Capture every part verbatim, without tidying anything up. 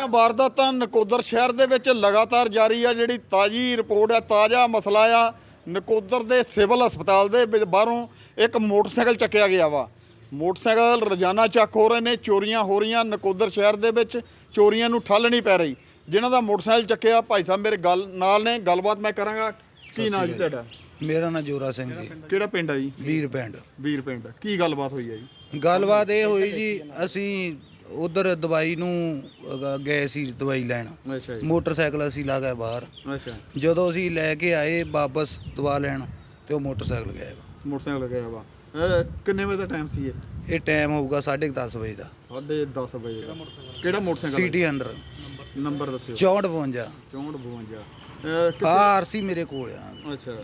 ਦੀਆਂ ਵਾਰਦਾਤਾਂ ਨਕੋਦਰ ਸ਼ਹਿਰ ਦੇ ਵਿੱਚ ਲਗਾਤਾਰ ਜਾਰੀ ਆ। ਜਿਹੜੀ ਤਾਜ਼ੀ ਰਿਪੋਰਟ ਆ, ਤਾਜ਼ਾ ਮਸਲਾ ਆ, ਨਕੋਦਰ ਦੇ ਸਿਵਲ ਹਸਪਤਾਲ ਦੇ ਵਿੱਚ ਬਾਹਰੋਂ ਇੱਕ ਮੋਟਰਸਾਈਕਲ ਚੱਕਿਆ ਗਿਆ ਵਾ। ਮੋਟਰਸਾਈਕਲ ਰੋਜ਼ਾਨਾ ਚੱਕ ਹੋ ਰਹੇ ਨੇ, ਚੋਰੀਆਂ ਹੋ ਰਹੀਆਂ ਨਕੋਦਰ ਸ਼ਹਿਰ ਦੇ ਵਿੱਚ, ਚੋਰੀਆਂ ਨੂੰ ਠੱਲ ਨਹੀਂ ਪੈ ਰਹੀ। ਜਿਨ੍ਹਾਂ ਦਾ ਮੋਟਰਸਾਈਕਲ ਚੱਕਿਆ ਭਾਈ ਸਾਹਿਬ ਮੇਰੇ ਗੱਲ ਨਾਲ ਨੇ, ਗੱਲਬਾਤ ਮੈਂ ਕਰਾਂਗਾ। ਕੀ ਨਾਂ ਜੀ ਤੁਹਾਡਾ? ਮੇਰਾ ਨਾਂ ਜੋਰਾ ਸਿੰਘ ਜੀ। ਕਿਹੜਾ ਪਿੰਡ ਆ ਜੀ? ਵੀਰ ਪਿੰਡ। ਵੀਰ ਪਿੰਡ। ਕੀ ਗੱਲਬਾਤ ਹੋਈ ਆ ਜੀ? ਗੱਲਬਾਤ ਇਹ ਹੋਈ ਜੀ, ਅਸੀਂ ਉਧਰ ਦਵਾਈ ਨੂੰ ਅ, ਗਏ ਸੀ ਦਵਾਈ ਲੈਣ। ਅੱਛਾ ਜੀ। ਮੋਟਰਸਾਈਕਲ ਅਸੀਂ ਲਾ ਗਏ ਬਾਹਰ। ਅੱਛਾ। ਜਦੋਂ ਅਸੀਂ ਲੈ ਕੇ ਆਏ ਵਾਪਸ ਦਵਾ ਲੈਣ ਤੇ ਉਹ ਮੋਟਰਸਾਈਕਲ ਗਾਇਬ। ਮੋਟਰਸਾਈਕਲ ਲੱਗਿਆ ਵਾ। ਇਹ ਕਿੰਨੇ ਵਜੇ ਦਾ ਟਾਈਮ ਸੀ ਇਹ? ਇਹ ਟਾਈਮ ਹੋਊਗਾ ਸਾਢੇ ਕੁ ਦਸ ਵਜੇ ਦਾ। ਸਾਢੇ ਦਸ ਵਜੇ ਦਾ। ਕਿਹੜਾ ਮੋਟਰਸਾਈਕਲ? ਸਿਟੀ ਹੰਡਰ ਨੰਬਰ ਦੱਸਿਓ। ਚੌਂਹਠ ਬਵੰਜਾ। ਚੌਂਹਠ ਬਵੰਜਾ। ਆ ਆਰਸੀ ਮੇਰੇ ਕੋਲ ਆ। ਅੱਛਾ।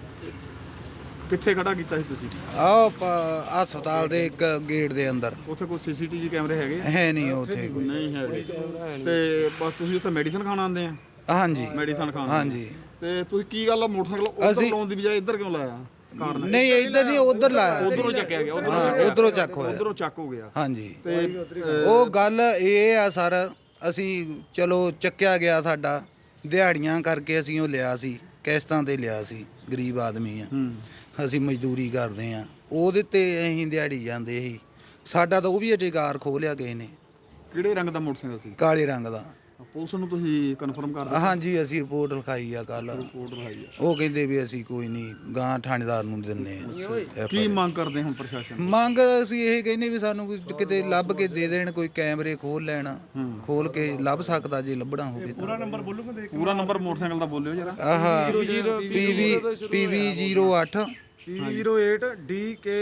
ਕਿੱਥੇ ਖੜਾ ਕੀਤਾ ਸੀ ਤੁਸੀਂ? ਆਹ ਪ- ਹਸਪਤਾਲ ਦੇ ਇੱਕ ਗੇਟ ਦੇ ਅੰਦਰ। ਉੱਥੇ ਕੋਈ ਸੀਸੀਟੀਵੀ ਕੈਮਰੇ ਹੈਗੇ? ਹੈ ਨਹੀਂ ਉੱਥੇ ਕੋਈ। ਨਹੀਂ ਹੈਗੇ। ਤੇ ਬਸ ਤੁਸੀਂ ਉੱਥੇ ਮੈਡੀਸਨ ਖਾਣ ਆਉਂਦੇ ਆ? ਹਾਂਜੀ ਮੈਡੀਸਨ ਖਾਣ। ਹਾਂਜੀ। ਤੇ ਤੁਸੀਂ ਕੀ ਗੱਲ ਆ ਮੋਟਰਸਾਈਕਲ ਉੱਧਰ ਅਸੀਂ- ਲਾਉਣ ਦੀ ਬਜਾਏ ਇੱਧਰ ਕਿਉਂ ਲਾਇਆ? ਕਾਰਨ ਨਹੀਂ ਇੱਧਰ ਨਹੀਂ, ਉਧਰ ਲਾਇਆ। ਉਧਰੋਂ ਚੱਕਿਆ ਗਿਆ। ਹਾਂ ਉਧਰੋਂ ਚੱਕ ਹੋਇਆ। ਉਧਰੋਂ ਚੱਕ ਹੋ ਗਿਆ। ਹਾਂਜੀ। ਤੇ ਉਹ ਗੱਲ ਇਹ ਆ ਸਰ, ਅਸੀਂ ਚਲੋ ਚੱਕਿਆ ਗਿਆ, ਸਾਡਾ ਦਿਹਾੜੀਆਂ ਕਰਕੇ ਅਸੀਂ ਉਹ ਲਿਆ ਸੀ, ਕਿਸ਼ਤਾਂ ਤੇ ਲਿਆ ਸੀ, ਗਰੀਬ ਆਦਮੀ ਆ, ਅਸੀਂ ਮਜ਼ਦੂਰੀ ਕਰਦੇ ਆ, ਉਹਦੇ ਤੇ ਅਸੀਂ ਦਿਹਾੜੀ ਜਾਂਦੇ ਸੀ। ਸਾਡਾ ਤਾਂ ਉਹ ਵੀ ਅਧਿਕਾਰ ਖੋਹ ਲਿਆ ਕਿਸੇ ਨੇ। ਕਿਹੜੇ ਰੰਗ ਦਾ ਮੋਟਰਸਾਈਕਲ ਸੀ? ਕਾਲੇ ਰੰਗ ਦਾ। ਪੁਲਿਸ ਨੂੰ ਤੁਸੀਂ ਕਨਫਰਮ ਕਰ ਦਿੱਤਾ? ਹਾਂਜੀ ਅਸੀਂ ਰਿਪੋਰਟ ਲਿਖਾਈ ਆ ਕੱਲ। ਰਿਪੋਰਟ ਲਿਖਾਈ ਆ। ਉਹ ਕਹਿੰਦੇ ਵੀ ਅਸੀਂ ਕੋਈ ਨਹੀਂ, ਗਾਂ ਥਾਣੇਦਾਰ ਨੂੰ ਦਿੰਨੇ ਆ। ਕੀ ਮੰਗ ਕਰਦੇ ਹੁਣ ਪ੍ਰਸ਼ਾਸਨ? ਮੰਗ ਅਸੀਂ ਇਹ ਕਹਿੰਦੇ ਵੀ ਸਾਨੂੰ ਕੋਈ ਕਿਤੇ ਲੱਭ ਕੇ ਦੇ ਦੇਣ, ਕੋਈ ਕੈਮਰੇ ਖੋਲ ਲੈਣ, ਖੋਲ ਕੇ ਲੱਭ ਸਕਦਾ ਜੇ ਲੱਭਣਾ ਹੋਵੇ ਤਾਂ। ਪੂਰਾ ਨੰਬਰ ਬੋਲੋਗੇ? ਪੂਰਾ ਨੰਬਰ ਮੋਟਰਸਾਈਕਲ ਦਾ ਬੋਲਿਓ ਜਰਾ। ਆਹ ਪੀਵੀ ਪੀਵੀ ਜ਼ੀਰੋ ਅੱਠ zero eight D K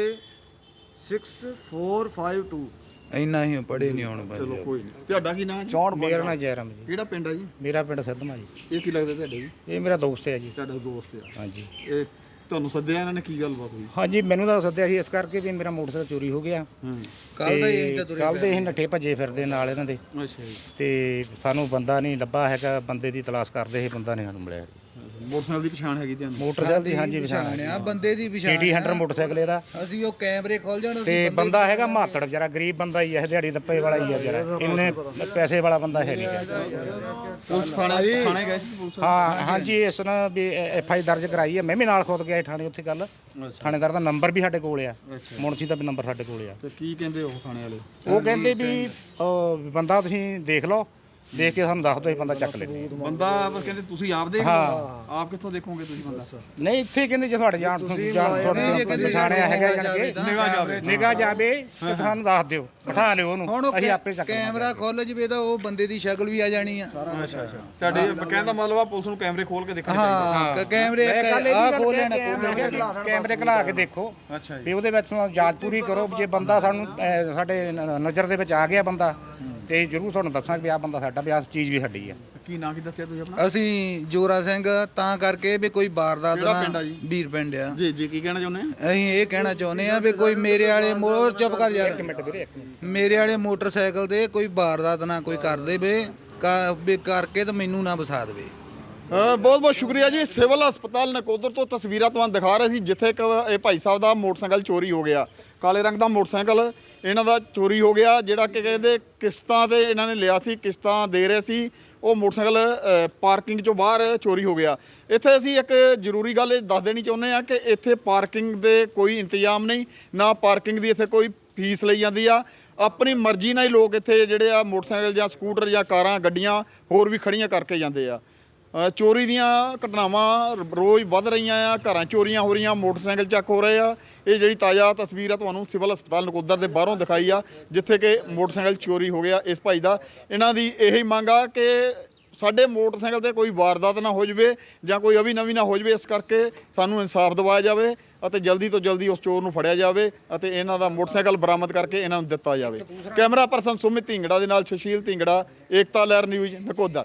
six four five two. ਇੰਨਾ ਹੀ ਪੜੇ ਨਹੀਂ ਹੁਣ ਚਲੋ ਬੰਦੇ। ਕੋਈ ਨਹੀਂ। ਤੁਹਾਡਾ ਕੀ ਨਾਮ ਹੈ? ਚੌਂਹਠ ਮੇਰਾ ਨਾਂ ਜੈਰਾਮ ਜੀ। ਕਿਹੜਾ ਪਿੰਡ ਆ ਜੀ? ਮੇਰਾ ਪਿੰਡ ਸਿੱਧਮਾ ਜੀ। ਇਹ ਕੀ ਲੱਗਦਾ ਤੁਹਾਡੇ ਜੀ? ਇਹ ਮੇਰਾ ਦੋਸਤ ਹੈ ਜੀ। ਤੁਹਾਡਾ ਦੋਸਤ ਆ? ਹਾਂਜੀ। ਇਹ ਤੁਹਾਨੂੰ ਸੱਦਿਆ ਇਹਨਾਂ ਨੇ, ਕੀ ਗੱਲਬਾਤ ਹੋਈ? ਹਾਂਜੀ ਮੈਨੂੰ ਤਾਂ ਸੱਦਿਆ ਸੀ ਇਸ ਕਰਕੇ ਵੀ ਮੇਰਾ ਮੋਟਰਸਾਈਕਲ ਚੋਰੀ ਹੋ ਗਿਆ। ਹੂੰ। ਕੱਲ ਦਾ ਹੀ ਤਾਂ ਤੁਰੇ ਕੱਲ ਦੇ ਅਸੀਂ ਨੱਠੇ ਭੱਜੇ ਫਿਰਦੇ ਨਾਲ ਇਹਨਾਂ ਦੇ, ਅੱਛਾ ਜੀ। ਤੇ ਸਾਨੂੰ ਬੰਦਾ ਨਹੀਂ ਲੱਭਾ ਹੈਗਾ। ਬੰਦੇ ਦੀ ਤਲਾਸ਼ ਕਰਦੇ ਸੀ, ਬੰਦਾ ਨਹੀਂ ਸਾਨੂੰ ਮਿਲਿਆ। ਮੋਟਰਸਾਈਕਲ ਦੀ ਪਛਾਣ ਹੈਗੀ ਤੁਹਾਨੂੰ? ਮੋਟਰਸਾਈਕਲ ਦੀ ਹਾਂਜੀ ਪਛਾਣ ਪਛਾਣ ਆ, ਬੰਦੇ ਦੀ ਪਛਾਣ ਸਿਟੀ ਆ। ਹੰਡਰ ਮੋਟਰਸਾਈਕਲ ਇਹਦਾ। ਅਸੀਂ ਉਹ ਕੈਮਰੇ ਖੋਲ ਜਾਣ। ਤੇ ਬੰਦਾ ਹੈਗਾ ਮਾਤੜ ਵਿਚਾਰਾ, ਗਰੀਬ ਬੰਦਾ ਹੀ ਹੈ, ਦਿਹਾੜੀ ਦੱਪੇ ਵਾਲਾ ਹੀ ਹੈ ਵਿਚਾਰਾ, ਇੰਨੇ ਪੈਸੇ ਵਾਲਾ ਬੰਦਾ ਹੈ ਨਹੀਂ ਗਾ। ਪੁਲਿਸ ਥਾਣੇ ਥਾਣੇ ਗਏ ਸੀ ਪੁਲਿਸ? ਹਾਂ ਹਾਂਜੀ, ਇਸ ਨਾਲ ਵੀ ਐਫ ਆਈ ਦਰਜ ਕਰਾਈ ਹੈ। ਮੈਂ ਵੀ ਨਾਲ ਖੁਦ ਗਿਆ ਥਾਣੇ ਉੱਥੇ। ਕੱਲ ਥਾਣੇਦਾਰ ਦਾ ਨੰਬਰ ਵੀ ਸਾਡੇ ਕੋਲ ਆ, ਮੁਨਸੀ ਦਾ ਵੀ ਨੰਬਰ ਸਾਡੇ ਕੋਲ ਆ। ਤੇ ਕੀ ਕਹਿੰਦੇ ਉਹ ਥਾਣੇ ਵਾਲੇ? ਉਹ ਕਹਿੰਦੇ ਵੀ ਅਹ, ਬੰਦਾ ਤੁਸੀਂ ਦੇਖ ਲਓ, ਦੇਖ ਕੇ ਸਾਨੂੰ ਦੱਸ ਦਿਓ, ਇਹ ਬੰਦਾ ਚੱਕ ਲੈਂਦੇ। ਬੰਦਾ ਬਸ ਕਹਿੰਦੇ ਤੁਸੀਂ ਆਪ ਦੇਖ ਲਓ। ਆਪ ਕਿੱਥੋਂ ਦੇਖੋਗੇ ਤੁਸੀਂ ਬੰਦਾ? ਨਹੀਂ ਇੱਥੇ ਕਹਿੰਦੇ ਜੇ ਤੁਹਾਡੇ ਜਾਣ ਤੋਂ ਜਾਣ ਤੁਹਾਡੇ ਪਛਾਣਿਆ ਹੈਗਾ ਜਾਣ ਕੇ ਨਿਗਾਹ ਜਾਵੇ। ਨਿਗਾਹ ਜਾਵੇ ਤੇ ਸਾਨੂੰ ਦੱਸ ਦਿਓ, ਬਿਠਾ ਲਿਓ ਉਹਨੂੰ, ਹੁਣ ਉਹ ਅਸੀਂ ਆਪੇ ਚੱਕ ਕੈਮਰਾ ਖੋਲ ਜਵੇ ਤਾਂ ਉਹ ਬੰਦੇ ਦੀ ਸ਼ਕਲ ਵੀ ਆ ਜਾਣੀ ਆ। ਅੱਛਾ ਅੱਛਾ। ਸਾਡੇ ਕਹਿਣ ਦਾ ਮਤਲਬ ਆ ਪੁਲਿਸ ਨੂੰ ਕੈਮਰੇ ਖੋਲ ਕੇ ਦੇਖਣੇ ਹਾਂ ਕ- ਕੈਮਰੇ ਆ ਖੋਲ ਲੈਣਾ। ਕੈਮਰੇ ਖਲਾ ਕੇ ਦੇਖੋ ਅੱਛਾ ਜੀ। ਵੀ ਉਹਦੇ ਵਿੱਚ ਜਾਂਚ ਪੂਰੀ ਕਰੋ। ਜੇ ਬੰਦਾ ਸਾਨੂੰ ਅਹ, ਸਾਡੇ ਨ- ਨਜ਼ਰ ਦੇ ਵਿੱਚ ਆ ਗਿਆ ਬੰਦਾ, ਤੇ ਜ਼ਰੂਰ ਤੁਹਾਨੂੰ ਦੱਸਾਂਗੇ ਵੀ ਆਹ ਬੰਦਾ ਸਾਡਾ, ਵੀ ਆਹ ਚੀਜ਼ ਵੀ ਸਾਡੀ ਆ। ਕੀ ਨਾਂ ਕੀ ਦੱਸਿਆ ਤੁਸੀਂ ਆਪਣਾ? ਅਸੀਂ ਜੋਰਾ ਸਿੰਘ, ਤਾਂ ਕਰਕੇ ਵੀ ਕੋਈ ਵਾਰਦਾਤ ਕਿਹੜਾ ਪਿੰਡ ਨਾ। ਆ ਜੀ? ਵੀਰ ਪਿੰਡ ਆ। ਜੀ ਜੀ। ਕੀ ਕਹਿਣਾ ਚਾਹੁੰਦੇ ਆ? ਅਸੀਂ ਇਹ ਕਹਿਣਾ ਚਾਹੁੰਦੇ ਆ ਵੀ ਕੋਈ ਮੇਰੇ ਵਾਲੇ ਮੋਰ ਚੁੱਪ ਕਰ ਯਾਰ, ਮਿੰਟ ਵੀਰੇ, ਇੱਕ ਮਿੰਟ। ਮੇਰੇ ਵਾਲੇ ਮੋਟਰਸਾਈਕਲ ਤੇ ਕੋਈ ਵਾਰਦਾਤ ਨਾ ਕੋਈ ਕਰ ਦੇਵੇ, ਕਾ- ਵੀ ਕਰਕੇ ਤਾਂ ਮੈਨੂੰ ਨਾ ਵਸਾ ਦੇਵੇ। ਬਹੁਤ ਬਹੁਤ ਸ਼ੁਕਰੀਆ ਜੀ। ਸਿਵਲ ਹਸਪਤਾਲ ਨਕੋਦਰ ਤੋਂ ਤਸਵੀਰਾਂ ਤੁਹਾਨੂੰ ਦਿਖਾ ਰਹੇ ਸੀ, ਜਿੱਥੇ ਇੱਕ ਇਹ ਭਾਈ ਸਾਹਿਬ ਦਾ ਮੋਟਰਸਾਈਕਲ ਚੋਰੀ ਹੋ ਗਿਆ। ਕਾਲੇ ਰੰਗ ਦਾ ਮੋਟਰਸਾਈਕਲ ਇਹਨਾਂ ਦਾ ਚੋਰੀ ਹੋ ਗਿਆ, ਜਿਹੜਾ ਕਿ ਕਹਿੰਦੇ ਕਿਸ਼ਤਾਂ ਤੇ ਇਹਨਾਂ ਨੇ ਲਿਆ ਸੀ, ਕਿਸ਼ਤਾਂ ਦੇ ਰਹੇ ਸੀ। ਉਹ ਮੋਟਰਸਾਈਕਲ ਅ, ਪਾਰਕਿੰਗ ਚੋਂ ਬਾਹਰ ਚੋਰੀ ਹੋ ਗਿਆ। ਇੱਥੇ ਅਸੀਂ ਇੱਕ ਜ਼ਰੂਰੀ ਗੱਲ ਇਹ ਦੱਸ ਦੇਣੀ ਚਾਹੁੰਦੇ ਹਾਂ ਕਿ ਇੱਥੇ ਪਾਰਕਿੰਗ ਦੇ ਕੋਈ ਇੰਤਜ਼ਾਮ ਨਹੀਂ, ਨਾ ਪਾਰਕਿੰਗ ਦੀ ਇੱਥੇ ਕੋਈ ਫੀਸ ਲਈ ਜਾਂਦੀ ਆ। ਆਪਣੀ ਮਰਜ਼ੀ ਨਾਲ ਹੀ ਲੋਕ ਇੱਥੇ ਜਿਹੜੇ ਆ ਮੋਟਰਸਾਈਕਲ ਜਾਂ ਸਕੂਟਰ ਜਾਂ ਕਾਰਾਂ, ਗੱਡੀਆਂ ਹੋਰ ਵੀ ਖੜੀਆਂ ਕਰਕੇ ਜਾਂਦੇ ਆ। ਚੋਰੀ ਦੀਆਂ ਘਟਨਾਵਾਂ ਰੋਜ਼ ਵੱਧ ਰਹੀਆਂ ਆ, ਘਰਾਂ ਚੋਰੀਆਂ ਹੋ ਰਹੀਆਂ, ਮੋਟਰਸਾਈਕਲ ਚੱਕ ਹੋ ਰਹੇ ਆ। ਇਹ ਜਿਹੜੀ ਤਾਜ਼ਾ ਤਸਵੀਰ ਆ ਤੁਹਾਨੂੰ ਸਿਵਲ ਹਸਪਤਾਲ ਨਕੋਦਰ ਦੇ ਬਾਹਰੋਂ ਦਿਖਾਈ ਆ, ਜਿੱਥੇ ਕਿ ਮੋਟਰਸਾਈਕਲ ਚੋਰੀ ਹੋ ਗਿਆ ਇਸ ਭਾਈ ਦਾ। ਇਹਨਾਂ ਦੀ ਇਹੀ ਮੰਗ ਆ ਕਿ ਸਾਡੇ ਮੋਟਰਸਾਈਕਲ ਤੇ ਕੋਈ ਵਾਰਦਾਤ ਨਾ ਹੋ ਜਾਵੇ ਜਾਂ ਕੋਈ ਅਵੀ ਨਵੀਂ ਨਾ ਹੋ ਜਾਵੇ। ਇਸ ਕਰਕੇ ਸਾਨੂੰ ਇਨਸਾਫ ਦਿਵਾਇਆ ਜਾਵੇ ਅਤੇ ਜਲਦੀ ਤੋਂ ਜਲਦੀ ਉਸ ਚੋਰ ਨੂੰ ਫੜਿਆ ਜਾਵੇ ਅਤੇ ਇਹਨਾਂ ਦਾ ਮੋਟਰਸਾਈਕਲ ਬਰਾਮਦ ਕਰਕੇ ਇਹਨਾਂ ਨੂੰ ਦਿੱਤਾ ਜਾਵੇ। ਕੈਮਰਾ ਪਰਸਨ ਸੁਮਿਤ ਢਿੰਗੜਾ ਦੇ ਨਾਲ ਸੁਸ਼ੀਲ ਢਿੰਗੜਾ, ਏਕਤਾ ਲਹਿਰ ਨਿਊਜ਼ ਨਕੋਦਰ।